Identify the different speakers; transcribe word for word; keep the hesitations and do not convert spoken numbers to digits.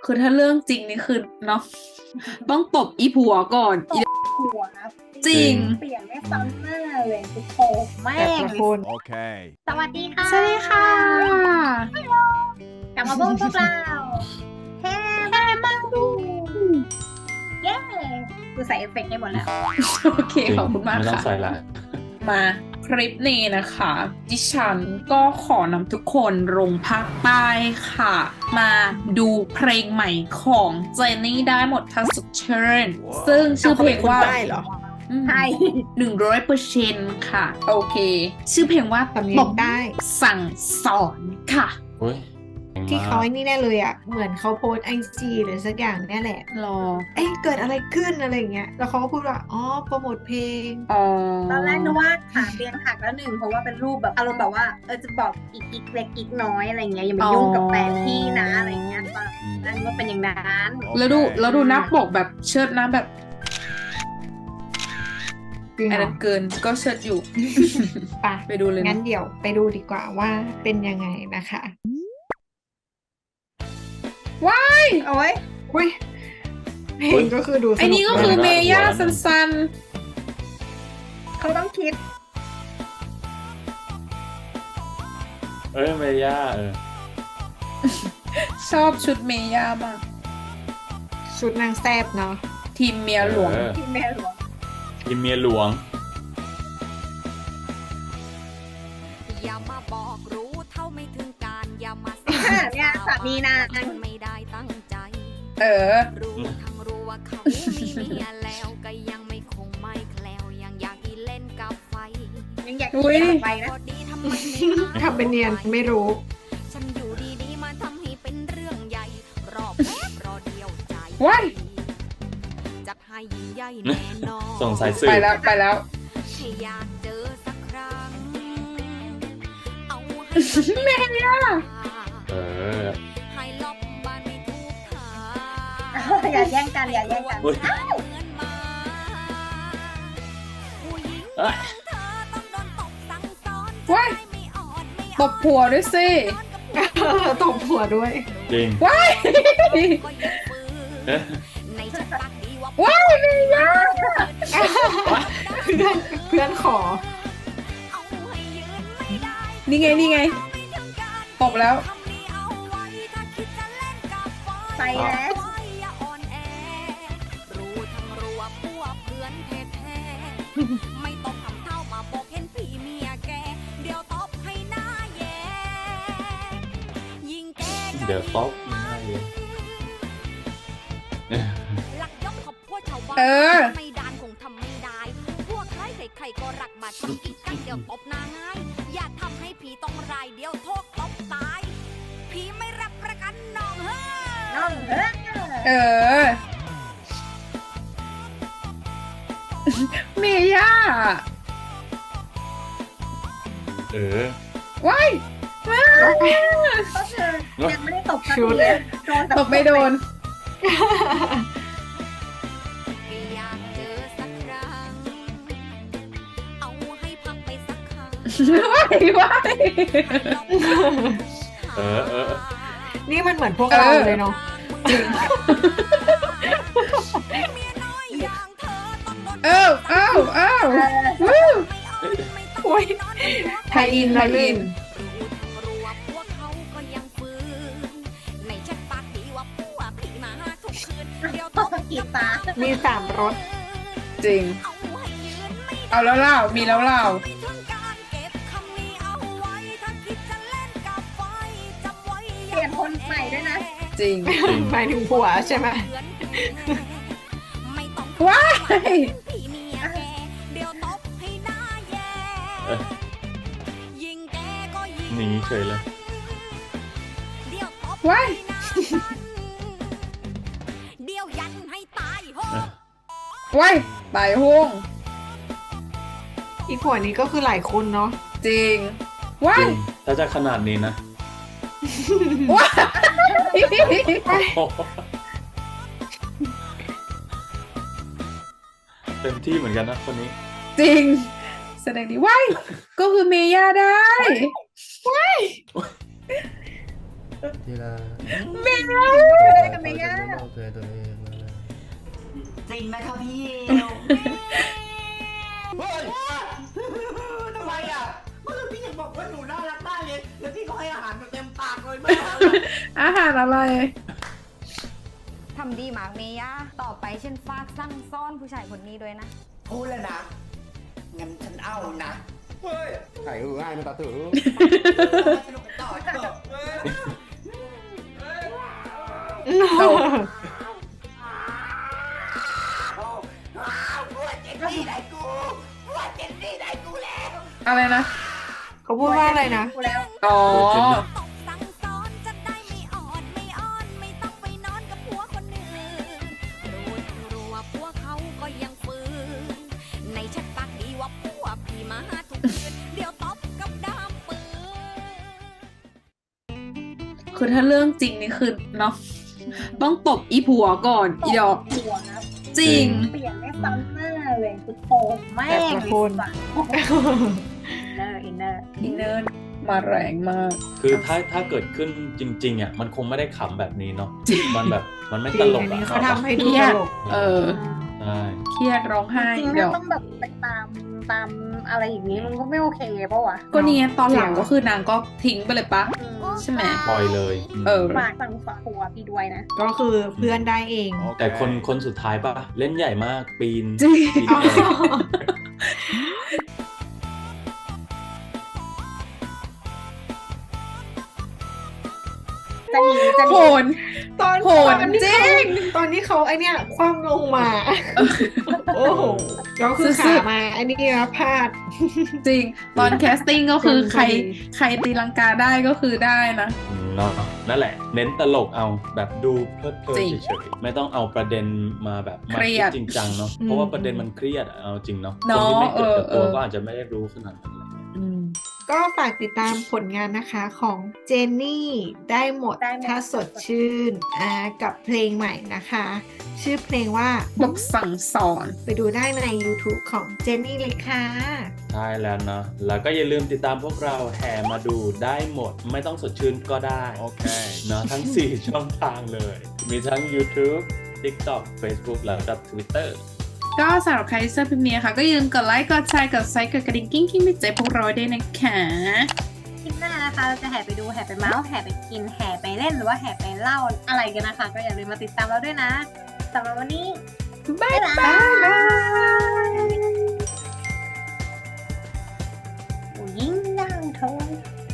Speaker 1: คือถ้าเรื่องจริงนี่คือเนาะต้องตบอีผัวก่อนอี
Speaker 2: หัว
Speaker 1: จริง
Speaker 2: เปลี่ยนไม่ซ้ำหน้าเลยกูโผแม่
Speaker 3: แต่
Speaker 2: ง
Speaker 3: ละคน
Speaker 4: Okay.
Speaker 2: สวัสดีค่ะ
Speaker 1: สวัสดีค่ะ
Speaker 2: กลับมาพบพวกเราแฮมาดูเย้กูใส่เอฟเฟกต์ให้หมดแล้ว
Speaker 1: โอเคขอบคุณมาก
Speaker 5: ไม่ต้อง
Speaker 1: ค่ะ
Speaker 5: ใส่ละ
Speaker 1: มาคลิปนี้นะคะ ดิฉันก็ขอนำทุกคนลงภาคใต้ค่ะ มาดูเพลงใหม่ของเจนนี่ได้หมดถ้าสุดเชิญซึ่งชื่อเพลงว่า
Speaker 3: ได้เหรอ
Speaker 2: ใช่
Speaker 1: หนึ่งร้อยเปอร์เซ็นต์ค่ะ โอเค ชื่อเพลงว่า
Speaker 3: สำเนียง
Speaker 1: ตบ
Speaker 3: ได้
Speaker 1: สั่งสอนค่ะ
Speaker 5: เฮ้ย
Speaker 3: ที่เขาไอ้นี่แน่เลยอ่ะ เหมือนเขาโพสไอจีหรือสักอย่างเนี่ยแหละ
Speaker 1: รอ
Speaker 3: เอ๊ะเกิดอะไรขึ้นอะไรอย่างเงี้ย แล้วเขาก็พูดว่า อ๋อ โปรโมทเพลง
Speaker 1: อ๋อ
Speaker 2: ตอนแรกนึกว่าขาเตียงหักแล้วหนึ่งเพราะว่าเป็นรูปแบบอารมณ์แบบว่าเออจะบอกอีกอีกเล็กอีกน้อยอะไรเงี้ยอย่ามายุ่งกับแฟนพี่นะอะไรเงี้ยตอนนั้นว่าเป็นอย่างนั้น
Speaker 1: แล้วดูแล้วดูหน้าปกแบบเชิดหน้าแบบ
Speaker 3: จริง
Speaker 1: อัน
Speaker 3: เหร
Speaker 1: นั้
Speaker 3: อน
Speaker 1: เกินก็เชิดอยู่
Speaker 3: ไป
Speaker 1: ไปดูเลย
Speaker 3: งั้
Speaker 1: นะ
Speaker 3: นเดี๋ยวไปดูดีกว่าว่าเป็นยังไงนะคะ
Speaker 1: ว้าย
Speaker 2: โอ้ย
Speaker 3: อุ้ยเพลงก็คือดูส
Speaker 1: ไอ้
Speaker 3: นุ
Speaker 1: นี่ก็
Speaker 3: ก
Speaker 1: คือ
Speaker 3: มาก
Speaker 1: เมย่าซัน
Speaker 2: เขาต้องคิด
Speaker 5: เอ้ยเมย่าเออ
Speaker 1: ๆชอบชุดเมย่ามาก
Speaker 3: ชุดนางแซบเนาะ
Speaker 1: ทีมเมียหลวง
Speaker 5: เออ
Speaker 2: ที่แม่หลวง
Speaker 5: ทีมเมียหลวง
Speaker 6: อย่ามาบอกรู้เท่าไม่ถึงการอย่ามา
Speaker 2: เนี่ยสามีนาง
Speaker 6: ไม่ได้ตั้งใจ
Speaker 1: เออ
Speaker 6: รู้ทั้งรู้ว่าเขามีเมียแล้วก็ยังไม่คงไม่แคล้วยังอยากอีเล่นกับไฟ
Speaker 2: ยังอยาก
Speaker 1: อุ๊ย
Speaker 2: กินไปนะ
Speaker 6: พอดีทำไมไม่
Speaker 3: ทำเป็นเนียนไม่รู้
Speaker 6: ฉันอยู่ดีๆมาทำให้เป็นเรื่องใหญ่ รอบแป๊บรอเดียวใจ
Speaker 1: ว้าย
Speaker 6: จัดให้ยิ่งใหญ่แน่นอน
Speaker 5: ส่งสายสื
Speaker 1: ไป
Speaker 5: บ
Speaker 1: แล้วไปแล้ว
Speaker 6: ให้อยากเจอสักครั้ง เอาให้
Speaker 1: แม่ย่า
Speaker 5: เออ
Speaker 6: ให้ลบบ้านไม่ถูกทาง
Speaker 2: อย่าแย่งกันอย่าแย่งกัน
Speaker 5: เฮ้ย
Speaker 6: เหมือนหมาผู้หญิง
Speaker 5: เอ้ย
Speaker 6: เธอต้องโดนตบสั่งสอน
Speaker 1: ว้าย
Speaker 6: ไม่อ่อนไม่
Speaker 1: ตบผัวด้วยสิ
Speaker 3: ตบหัวด้วย
Speaker 5: จริง
Speaker 1: ว้าย
Speaker 6: ก็ยังฝืน
Speaker 5: เอ๊ะ
Speaker 6: ในฉันปากดีว่า
Speaker 1: ว้ายเมย่า
Speaker 3: เพื่อนเพื่อนขอ
Speaker 6: เอาให้ยืนไม่ได้
Speaker 1: นี่ไงนี่ไง
Speaker 6: ไม่ถึงการ
Speaker 1: ตบแล้ว
Speaker 6: ทำนี้เอาไว้ถ้าคิดจะเล่นกับไฟ
Speaker 2: ไปแล้ว
Speaker 6: ไว้อย่าอ่อนแอ รู้ทั้งรู้ว่าพวกเพื่อนแท้ๆไม่ต้องทำเท่ามาบอกเห็นพี่เมียแก เดี๋ยวตบให้หน้าแย่ยิงแกก็
Speaker 5: เดี๋ยวต๊อกหน้าเย็น
Speaker 6: หลักย่อมขอบพวกชาวบ้าน
Speaker 1: เออ
Speaker 6: ไม่ดานคงทำไม่ได้ พวกใครใครๆก็รักมาทำอีกกันเดี๋ยวตบหน้าง่าย อย่าทำให้ผีต้องรายเดียวโทษตบตาย ผีไม่รับประกันน้องเฮ้
Speaker 2: น้องเฮ้ย
Speaker 1: เออ เมย่า
Speaker 5: เออ
Speaker 1: ว้ายว้าย
Speaker 2: ก็คือยังไม่ได้ตบสัก
Speaker 3: ชุ
Speaker 2: ที
Speaker 3: ด
Speaker 2: เลยโดน
Speaker 1: ตบไม่โดน
Speaker 6: อยากเจอสักครั้ง เอาให้พังไปสักครั้ง
Speaker 1: ว้ายว้าย
Speaker 5: เออเออ
Speaker 3: นี่มันเหมือนพวกเราเลยเนาะ
Speaker 6: เมียน้อยอย่างเธอต้องโดน
Speaker 1: เอ้าเอ้าเอ้า
Speaker 2: เออ
Speaker 1: วู้
Speaker 6: ไม่
Speaker 3: โอ้ย
Speaker 6: ต้องนอน
Speaker 1: ไทยอินไทยอิน
Speaker 6: รู้ทั้งรู้ว่าพวกเขาก็ยังฝืนในฉันปากดีว่าพวกผีมาทุกคืนเดี๋ยว
Speaker 2: ตบกีตาร์
Speaker 3: มีสามรส
Speaker 1: จริง
Speaker 6: เอาให้ยืนไม่
Speaker 1: เอาแล้วเล่ามีแล้วเล่า
Speaker 6: ไม่ถึงการเก็บคำนี้เอาไว้ถ้าคิดจะเล่นกับไฟจำไว้
Speaker 2: เปลี่ยนคนใหม่ด้วยนะ
Speaker 1: จริง
Speaker 3: หมายถึงผัวใช่ไหม
Speaker 6: ไม่ต้อง
Speaker 1: ว้าย
Speaker 6: ผีเมียแกเดี๋ยวตบให้หน้าแย่
Speaker 5: เออ
Speaker 6: ยิงแกก็ยิง
Speaker 5: หนีเฉยเลย
Speaker 6: เดี๋ยวตบ
Speaker 1: ว้าย
Speaker 6: ให้หน้ามันเดี๋ยวยันให้ตายโห
Speaker 5: เออ
Speaker 1: ว้ายตายห้ง
Speaker 3: อีผัวนี้ก็คือหลายคนเนาะ
Speaker 1: จริง ว้า
Speaker 5: จ
Speaker 1: ย
Speaker 5: ริง ถ้าจะขนาดนี้นะ
Speaker 1: ว้าย
Speaker 5: โอ้โหเต็มที่เหมือนกันนะคนนี้
Speaker 1: จริง แสดงดีว้ายก็คือเมย่าได้
Speaker 7: ทีละ
Speaker 1: เมย่า
Speaker 2: กับเมย่า
Speaker 4: ๆนะคะพี่เอวเฮ้ยทำไมอ่ะเมื่อกี้พี่ยังบอกว่าหนูน่ารักมากเลยแล้วพี่ก็ให้อาหารแบบเต็มปากเลยไม่เอาเลย
Speaker 1: อาหารอะไร
Speaker 6: ทำดีมากเมย่าต่อไปฉันฝากสั่งซ่อนผู้ชายคนนี้ด้วยนะ
Speaker 4: พูดแล้วนะ งั้นฉันเอานะ เฮ้ยไข่ง่ายนะตาถือสนุกกันต่อเถอะ
Speaker 1: เอา
Speaker 4: ปวดเจนนี่ได้กูปวดเจนนี่ได้กูแล้ว
Speaker 1: อะไรนะ
Speaker 3: เขาพูดว่าอะไรนะ
Speaker 2: กูแล้ว
Speaker 1: อ๋อ
Speaker 6: ตบสั่งซ้อนจะได้ไม่อ่อนไม่อ่อนไม่ต้องไปนอนกับผัวคนอื่นรู้ทั้งรู้ว่าผัวเขาก็ยังฝืนในชัดปากดีว่าผัวพี่มาทุกคืนเดี๋ยวตบกับดามปืน
Speaker 1: คือถ้าเรื่องจริงนี่คือเนาะต้องตบอีผัวก่อนอีดอก
Speaker 2: หัวนะ
Speaker 1: จริง
Speaker 2: เปลี่ยนไม่ซ้ำหน้าเลยกูโตแม่
Speaker 3: แต่
Speaker 2: ง
Speaker 3: ละคน
Speaker 2: อินเนอร์อินเนอร์
Speaker 1: อินเนอร์มาแรงมาก
Speaker 5: คือถ้าถ้าเกิดขึ้นจริงๆอ่ะมันคงไม่ได้ขำแบบนี้เนาะมันแบบมันไม่ตลก
Speaker 3: อันนี้
Speaker 5: อ่ะ
Speaker 3: เขาทำให้
Speaker 1: เค
Speaker 3: ดู
Speaker 1: รี
Speaker 3: ต
Speaker 1: ยด
Speaker 3: ลก
Speaker 1: เออ
Speaker 5: ใช่
Speaker 1: เครียดร้องไห้
Speaker 2: จริงๆ
Speaker 1: เดี๋ยว
Speaker 2: ถ้าต้องแบบไปตามตามอะไรอย่างนี้มันก็ไม่โอเคปะวะ
Speaker 1: ก็เนี่ยตอนหลังก็คือนางก็ทิ้งไปเลยปะ
Speaker 2: อืม
Speaker 1: ใช่ไหม
Speaker 5: ปล่อยเลยม
Speaker 1: เออ
Speaker 2: ฝากสั่งฝากหัวพี่ด้วยนะ
Speaker 3: ก็คือเพื่อนได้เอง
Speaker 5: แต่คนคนสุดท้ายปะเล่นใหญ่มากปีน
Speaker 1: จริง
Speaker 5: ปีนเอง
Speaker 2: จะหนีจะห
Speaker 1: โห
Speaker 2: นี
Speaker 1: น
Speaker 3: ตอน
Speaker 1: โหด
Speaker 3: ตอนที่
Speaker 1: จริ
Speaker 3: เขา
Speaker 1: ง
Speaker 3: ตอนที่เขาไอเนี้ยคว่ำลงมา โอ้โหแล้วคือ
Speaker 1: สุ
Speaker 3: ขา
Speaker 1: ดๆ
Speaker 3: มาอันนี้นะพลาด
Speaker 1: จริง ตอนแคสติ้งก็คือใคร
Speaker 3: พอดี
Speaker 1: ใครตีลังกาได้ก็คือได้นะ
Speaker 5: อืมเนาะนั่นแหละ เน้นตลกเอาแบบดูเพลิดเพลิน
Speaker 1: จริง
Speaker 5: เฉยๆไม่ต้องเอาประเด็นมาแบบมา
Speaker 1: เครี
Speaker 5: คิ
Speaker 1: ย
Speaker 5: ด
Speaker 1: ด
Speaker 5: จริงจังเนาะ
Speaker 3: อืม
Speaker 5: เพราะว่าประเด็นมันเครียดอะเอาจริงเนาะ
Speaker 1: เนาะ
Speaker 5: คนที่ไม่เกิดกับ
Speaker 1: เอ
Speaker 5: ตัว
Speaker 1: อเออ
Speaker 5: ก็อาจจะไม่ได้รู้ขนาดนั้นอะไรเงี้ย
Speaker 1: อืม
Speaker 3: ก็ฝากติดตามผลงานนะคะของเจนนี่ได้หมด
Speaker 2: ได้หมด
Speaker 3: ถ้าสดชื่นอ่ากับเพลงใหม่นะคะ ชื่อเพลงว่า
Speaker 1: บทสั่งสอน
Speaker 3: ไปดูได้ใน YouTube ของเจนนี่เลยค่ะ
Speaker 5: ใช่แล้วเนาะแล้วก็อย่าลืมติดตามพวกเราแห่มาดูได้หมด ไม่ต้องสดชื่นก็ได้ โอเคเนาะทั้ง สี่ ช่องทางเลย มีทั้ง YouTube TikTok Facebook แล้วก็ Twitter
Speaker 1: ก็สำหรับใครที่ชอบคลิปนี้นะคะก็อย่าลืมกดไลค์ กดแชร์ กดไซค์กดกระดิ่งกิ้งกิ้งไม่เจ็บพวกเราด้วยนะคะ
Speaker 2: คลิปหน้านะคะเราจะแห่ไปดูแห่ไปเมาส์แห่ไปกินแห่ไปเล่นหรือว่าแห่ไปเล่าอะไรกันนะคะ ก็อย่าลืมมาติดตามเราด้วยนะสำหรับวันนี้
Speaker 1: บ๊ายบาย
Speaker 2: ผู้หญิงย่างทอง